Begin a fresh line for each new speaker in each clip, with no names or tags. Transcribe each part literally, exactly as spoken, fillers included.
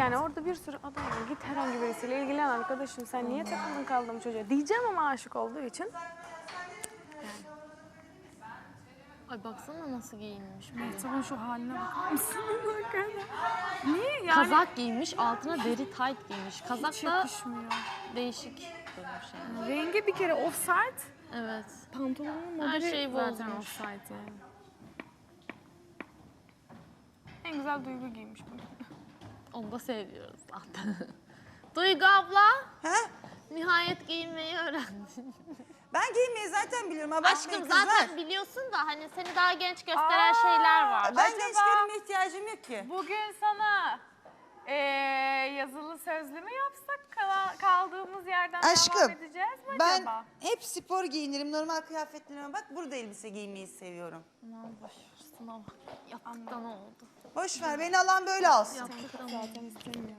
yani orada bir sürü adam var. Git herhangi birisiyle ilgilen arkadaşım. Sen niye takıldın kaldın çocuğa? Diyeceğim ama aşık olduğu için.
Ay baksana nasıl giyinmiş.
Mehtap'ın şu haline bakar mısın? Niye yani?
Kazak giymiş, altına deri tight giymiş. Kazak
Hiç
da
yakışmıyor.
değişik durmuş yani.
Rengi bir kere offside.
Evet.
Pantolonun
Her
modeli
şey
zaten
bozmuş.
offside yani. En güzel Duygu giymiş bunu.
Onu da seviyoruz zaten. Duygu abla,
Ha?
nihayet giyinmeyi öğrendin.
Ben giymeyi zaten biliyorum. Abartmayın
Aşkım
kızlar.
zaten biliyorsun da hani seni daha genç gösteren şeyler var.
Ben
Acaba-
gençlerime ihtiyacım yok ki.
Bugün sana eee, yazılı sözlü mü yapsak kala- kaldığımız yerden
Aşkım,
devam edeceğiz mi
Ben
acaba?
hep spor giyinirim. Normal kıyafetlerime bak. Burada elbise giymeyi seviyorum.
Aman boş ver, sınav. Yaptıktan oldu.
Boş ver. Beni alan böyle alsın.
Yaptıktan oldu.
Zaten istemiyorum.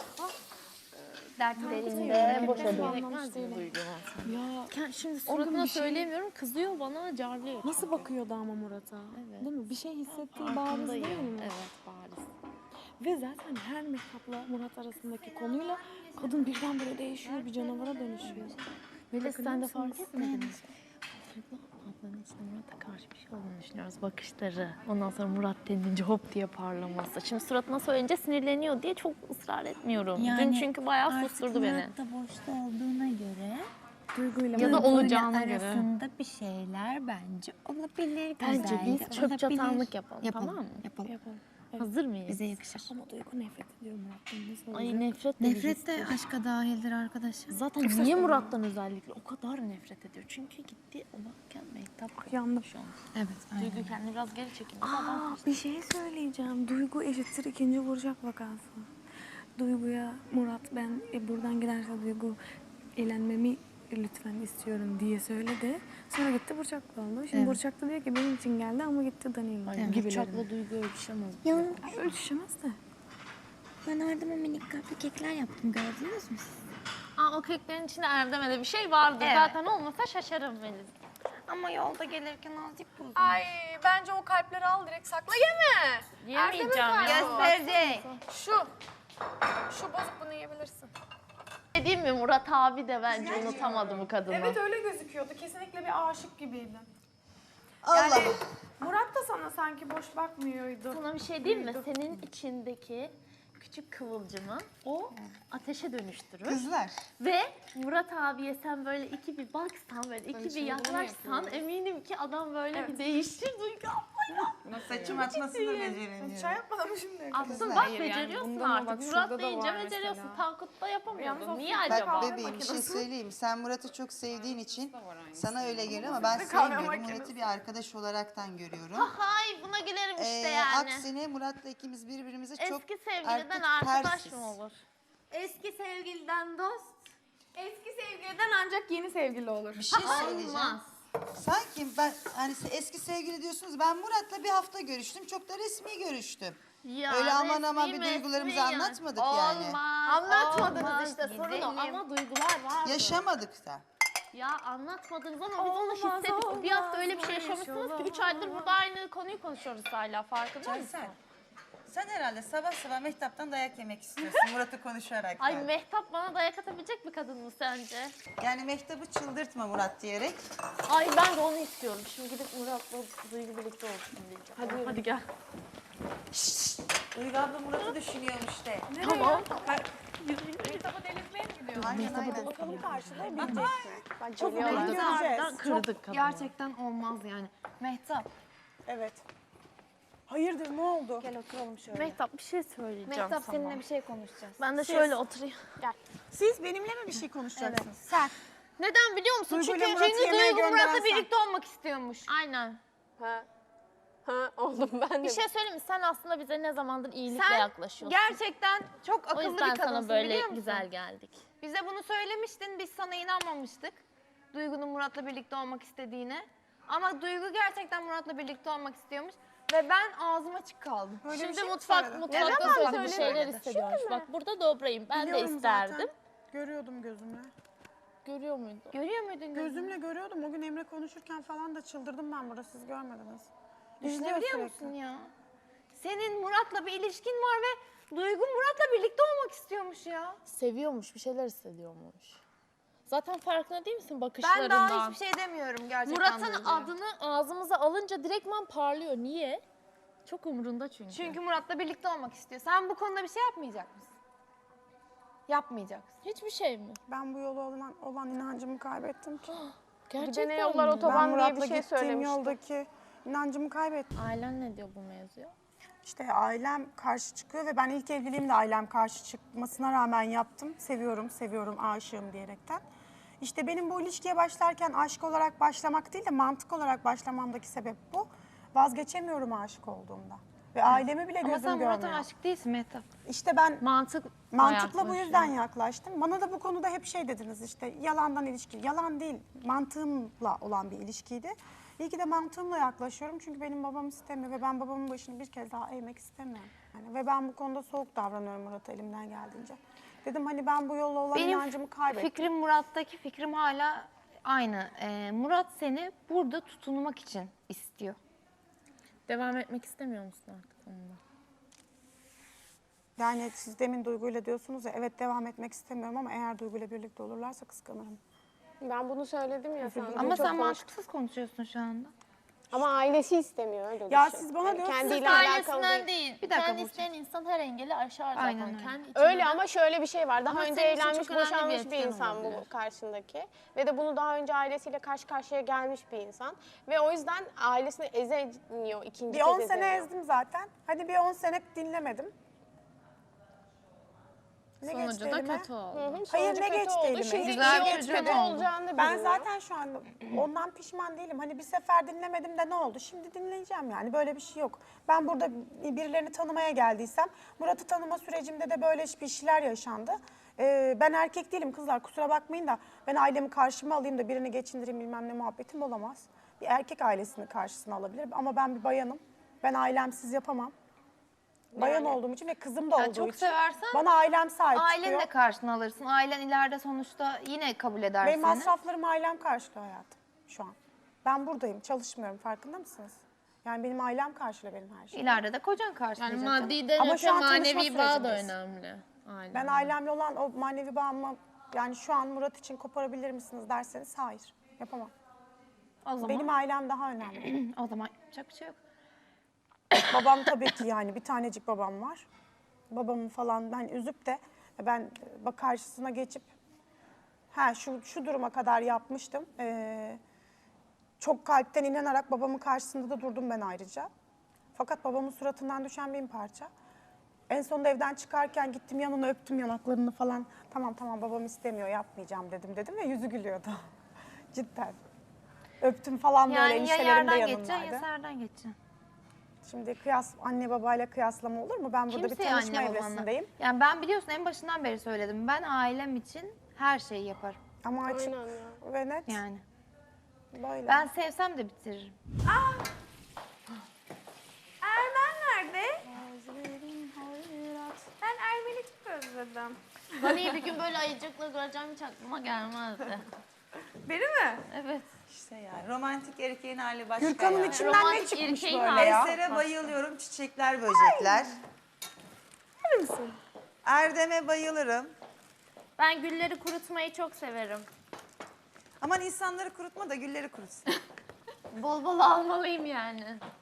Dertlerinde boş gerekmez mi Duygu?
Ya
Ken- Şimdi
O gün
suratına
bir şey-
söyleyemiyorum, kızıyor bana, carlıyor.
nasıl bakıyordu ama Murat'a?
Evet.
Değil mi? Bir şey hissettiği bariz
Farkındayım.
değil mi?
Evet, bariz.
Ve zaten her Mehtap'la Murat arasındaki konuyla kadın birdenbire değişiyor, bir canavara dönüşüyor.
Melis sen de
Farkında
fark
mısınız?
etmedin mi? Duygu ablanın içinde Murat'a karşı bir şey olduğunu düşünüyoruz. Bakışları. Ondan sonra Murat denilince hop diye parlaması. Şimdi suratına söyleyince sinirleniyor diye çok ısrar etmiyorum. Dün çünkü bayağı susturdu beni.
Artık Murat da boşta olduğuna göre
Duyguyla
Ya da
Murat-
olacağına
Duygu'yla
göre.
arasında bir şeyler bence olabilir.
Bence
güzel
biz
de
çöp
olabilir.
çatanlık yapalım,
Yapalım,
tamam mı?
Yapalım.
Yapalım. Evet.
Hazır mıyız?
Bize yakışır.
Ama Duygu nefret ediyor Murat'tan. Nasıl olacak?
Ay nefret de
Nefret de
birisi.
aşka dahildir arkadaşım.
Zaten niye Murat'tan özellikle o kadar nefret ediyor? Çünkü gitti olarken Mehtap
Yandım.
şu an.
Evet, aynen.
Duygu kendini biraz geri çekildi.
Aa, bir şey söyleyeceğim. Duygu eşittir ikinci vuracak vakası. Duygu'ya Murat ben e, buradan giderse Duygu eğlenmemi lütfen istiyorum diye söyledi. Sonra gitti Burçak'la oldu. Şimdi
Evet.
Burçak da diyor ki benim için geldi ama gitti Danilo
Ay,
gibilerin.
Burçak'la Duygu ölçüşemez.
Ya
Ay, ölçüşemez de.
ben Erdem'e minik kalpli kekler yaptım, gördünüz mü siz?
Aa, o keklerin içinde Erdem'e de bir şey vardı.
Evet.
Zaten olmasa şaşarım Melis.
Ama yolda gelirken azıcık bozuldu.
Ay bence o kalpleri al direkt sakla yeme.
Yemeyeceğim ya.
Gösterecek.
Şu. Şu bozuk bunu yiyebilirsin.
Dediğim mi Murat abi de bence unutamadı bu kadını.
Evet öyle gözüküyordu. Kesinlikle bir aşık gibiydi.
Allah.
Yani Murat da sana sanki boş bakmıyordu.
Sana bir şey diyeyim mi? Senin içindeki küçük kıvılcımı o ateşe dönüştürür.
Kızlar.
Ve Murat abiye sen böyle iki bir baksan, böyle iki bir yaklaşsan eminim ki adam böyle bir değişir. Duygu abla.
Saçım atmasını da beceremiyorum.
Çay yapmadan mı şimdi?
Aslında bak
Hayır, yani
beceriyorsun
bundan ama
artık.
bak
Murat
şurada da
deyince
var
beceriyorsun.
mesela.
Tankut'ta yapamıyordun.
Yalnız
Niye
o
Bak
acaba?
bebeğim bir şey söyleyeyim. Sen Murat'ı çok sevdiğin için sana öyle geliyor ama ben sevmiyorum. Murat'ı bir arkadaş olaraktan görüyorum.
Hay buna gülerim işte
Ee,
yani.
Aksine Murat'la ikimiz birbirimize çok
Eski sevgiliden
artık
arkadaş
tersiz.
mı olur?
Eski sevgiliden dost. Eski sevgiliden ancak yeni sevgili olur.
Bir şey söyleyeceğim.
Olmaz.
Sanki ben hani eski sevgili diyorsunuz. Ben Murat'la bir hafta görüştüm. Çok da resmi görüştüm.
Ya,
Öyle aman aman
resmi
bir duygularımızı
mesmi
anlatmadık
yani.
yani.
Olmaz.
Anlatmadınız
olmaz.
işte, sorun o.
Güzelim. Ama duygular var.
Yaşamadık da.
Ya anlatmadınız ama biz onu
Olmaz,
hissettik. Bir hafta öyle bir şey
olmaz,
yaşamışsınız ki üç
olmaz.
aydır burada aynı konuyu konuşuyoruz hala, farkında mısın?
Cansel, sen herhalde sabah sabah Mehtap'tan dayak yemek istiyorsun Murat'ı konuşarak.
Ay Mehtap bana dayak atabilecek bir kadın mı sence?
Yani Mehtap'ı çıldırtma Murat diyerek.
Ay ben de onu istiyorum. Şimdi gidip Murat'la Duygu birlikte olsun diyeceğim. Hadi, hadi gel.
Duygu abla Murat'ı düşünüyormuş de.
Tamam.
Mehtap'ı delirtmeye mi gidiyor?
Aynen aynen.
Bakalım karşıda bileceksin. Bak
Çok
geliyorlar.
fazla harbiden kırdık kadını.
Gerçekten olmaz yani. Mehtap,
Evet. Hayırdır ne oldu?
gel oturalım şöyle.
Mehtap bir şey söyleyeceğim
Mehtap
sana.
seninle bir şey konuşacağız.
Ben de şöyle oturayım.
Siz benimle mi bir şey konuşacaksınız?
Sen.
Neden biliyor musun?
Duygu ile
Çünkü
Murat'ı
çünkü
yemeğe
Duygu
gönderen
Murat'la
sen.
birlikte olmak istiyormuş. Aynen.
Ha. Ha oldum ben de.
Bir şey söyleyeyim mi? Sen aslında bize ne zamandır iyilikle
Sen
yaklaşıyorsun.
gerçekten çok
O
akıllı
yüzden
bir kadınsın
sana böyle
biliyor musun?
güzel geldik.
Bize bunu söylemiştin, biz sana inanmamıştık. Duygu'nun Murat'la birlikte olmak istediğine. Ama Duygu gerçekten Murat'la birlikte olmak istiyormuş. Ve ben ağzım açık kaldım.
Böyle bir
Şimdi
şey mi
mutfak
söyledin?
mutfakta
Evet,
sözlü
ben
bir
söyledim.
şeyler hissediyormuş. Bak burada dobrayım. Ben de
Biliyorum
isterdim.
zaten. Görüyordum gözümle.
Görüyor muydun?
Görüyor muydun gözümü?
Gözümle görüyordum. O gün Emre konuşurken falan da çıldırdım ben burada. Siz görmediniz.
Düşünebiliyor
sürekli.
musun ya? Senin Murat'la bir ilişkin var ve Duygu Murat'la birlikte olmak istiyormuş ya.
Seviyormuş, bir şeyler hissediyormuş. Zaten farkında değil misin
Ben
bakışlarından?
daha hiçbir şey demiyorum gerçekten.
Murat'ın
Duygu'ya.
adını ağzımıza alınca direktman parlıyor. Niye? Çok umurunda çünkü.
Çünkü Murat'la birlikte olmak istiyor. Sen bu konuda bir şey yapmayacak mısın? Yapmayacaksın.
Hiçbir şey mi?
Ben bu yola olan, olan inancımı kaybettim ki.
Gerçekten
ne yollar
mi?
otoban-
Ben
diye bir
Murat'la
şey
gittiğim
söylemişti.
yoldaki inancımı kaybettim.
Ailen ne diyor bu mevzuya?
İşte ailem karşı çıkıyor ve ben ilk evliliğimde ailem karşı çıkmasına rağmen yaptım. Seviyorum, seviyorum, aşığım diyerekten. İşte benim bu ilişkiye başlarken aşk olarak başlamak değil de mantık olarak başlamamdaki sebep bu. Vazgeçemiyorum aşık olduğumda. Ve ailemi bile
Ama
gözüm
sen
görmüyor.
Murat'a aşık değilsin Mehtap.
İşte ben
Mantık
mantıkla bu yüzden yaklaştım. Bana da bu konuda hep şey dediniz işte yalandan ilişki. Yalan değil, mantığımla olan bir ilişkiydi. İyi ki de mantığımla yaklaşıyorum çünkü benim babam istemiyor ve ben babamın başını bir kez daha eğmek istemiyorum. Yani ve ben bu konuda soğuk davranıyorum Murat'a elimden geldiğince. Dedim hani ben bu yolla olan
Benim
inancımı kaybettim.
fikrim Murat'taki fikrim hala aynı. Ee, Murat seni burada tutunmak için istiyor.
Devam etmek istemiyor musun artık onunla?
Yani siz demin Duygu'yla diyorsunuz ya evet devam etmek istemiyorum ama eğer Duygu'yla birlikte olurlarsa kıskanırım.
Ben bunu söyledim ya sana.
Ama
Çok
sen
konuştuk.
mantıksız konuşuyorsun şu anda.
Ama ailesi istemiyor öyle
Ya
düşün.
siz bana
Yani
diyorsunuz,
kendiyle
Sırf
alakalı
ailesinden
değil.
değil.
Bir dakika
Kendi
Burcu.
isteyen insan her engeli aşar zaten.
Aynen öyle.
Kendi içinde
Öyle
de-
ama şöyle bir şey var. Daha
Ama
önce
senin için
evlenmiş,
çok önemli bir
boşanmış bir,
etken
insan bu
olabilir.
karşındaki. Ve de bunu daha önce ailesiyle karşı karşıya gelmiş bir insan. Ve o yüzden ailesini ezemiyor ikinci
Bir
kez
on sene
ezemiyor.
ezdim zaten. Hadi bir on sene dinlemedim. Ne
Sonucu
geçti
da
elime?
kötü oldu.
Hı hı,
Hayır,
sonucu
ne
kötü
geçti
oldu.
elime?
Şimdi
Güzel
iyi
bir
kötü
çözüm oldu.
olacağını da
Ben
bilmiyor.
zaten şu anda ondan pişman değilim. Hani bir sefer dinlemedim de ne oldu? Şimdi dinleyeceğim yani. Böyle bir şey yok. Ben burada birilerini tanımaya geldiysem, Murat'ı tanıma sürecimde de böyle bir şeyler yaşandı. Ee, ben erkek değilim kızlar kusura bakmayın da ben ailemi karşıma alayım da birini geçindireyim bilmem ne muhabbetim olamaz. Bir erkek ailesini karşısına alabilir ama ben bir bayanım. Ben ailemsiz yapamam. Bayan olduğum için ve kızım da
Ya
olduğu
çok
için
seversen
bana ailem sahip
Aileni
çıkıyor.
de karşına alırsın. Ailen ileride sonuçta yine kabul eder
Benim
seni.
masraflarımı ailem karşılıyor hayatım şu an. Ben buradayım, çalışmıyorum. Farkında mısınız? Yani benim ailem karşılıyor benim her şeyi.
İleride de kocan karşılayacak.
Yani maddiden
Ama
öte
şu an tanışma
manevi bağ da
sürecindeyiz.
önemli. Aynen.
Ben ailemle olan o manevi bağımı yani şu an Murat için koparabilir misiniz derseniz hayır. Yapamam.
O zaman,
Benim ailem daha önemli.
o zaman yapacak bir şey yok.
Babam tabii ki yani bir tanecik babam var. Babamı falan ben üzüp de ben bak karşısına geçip ha şu şu duruma kadar yapmıştım. Ee, çok kalpten inanarak babamın karşısında da durdum ben ayrıca. Fakat babamın suratından düşen bin parça. En sonunda evden çıkarken gittim yanına öptüm yanaklarını falan. Tamam tamam babam istemiyor yapmayacağım dedim dedim ve yüzü gülüyordu. Cidden. Öptüm falan böyle
Yani ya
eniştelerim de
yerden geçeceksin
yanımdaydı.
ya serden geçeceksin.
Şimdi kıyas anne babayla kıyaslama olur mu? Ben burada bir
Kimseye
tanışma
anne babanla.
evresindeyim.
Yani ben biliyorsun en başından beri söyledim. Ben ailem için her şeyi yaparım.
Ama açık
Aynen ya.
ve net
Yani.
böyle.
Ben sevsem de bitiririm.
Ermen nerede? Ben Ermen'i çok özledim.
Bana iyi bir gün böyle ayıcıkla göreceğim hiç aklıma gelmezdi.
Beni mi?
Evet.
İşte yani romantik erkeğin hali başka
Gürkan'ın
yani.
içinden ne
Romantik
çıkmış
erkeğin
böyle
hali.
ya?
Eser'e bayılıyorum, çiçekler, böcekler.
Öyle misin?
Erdem'e bayılırım.
Ben gülleri kurutmayı çok severim.
Aman insanları kurutma da gülleri kurutsun.
Bol bol almalıyım yani.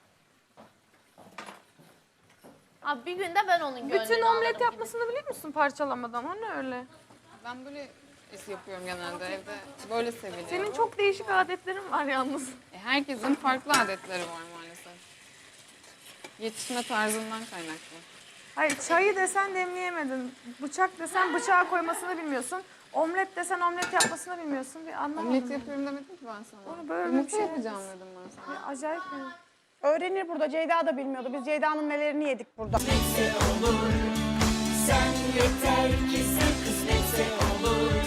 Abi bir günde ben onun gönlünü
Bütün omlet
alırım.
yapmasını biliyor musun parçalamadan? O ne öyle?
Ben böyle yapıyorum genelde evde. Böyle seviliyor.
Senin çok değişik adetlerin var yalnız.
E, herkesin farklı adetleri var maalesef. Yetişme tarzından kaynaklı.
Hayır çayı desen demleyemedin. Bıçak desen bıçağa koymasını bilmiyorsun. Omlet desen omlet yapmasını bilmiyorsun. Bir anlamadım.
Omlet yapıyorum demedim ki ben sana.
Onu böyle
Yumurta
bir şey
yapacağım dedim ben sana.
Ya, acayip bir...
Öğrenir burada. Ceyda da bilmiyordu. Biz Ceyda'nın nelerini yedik burada.
Sen yeter ki sen kısmetse olur.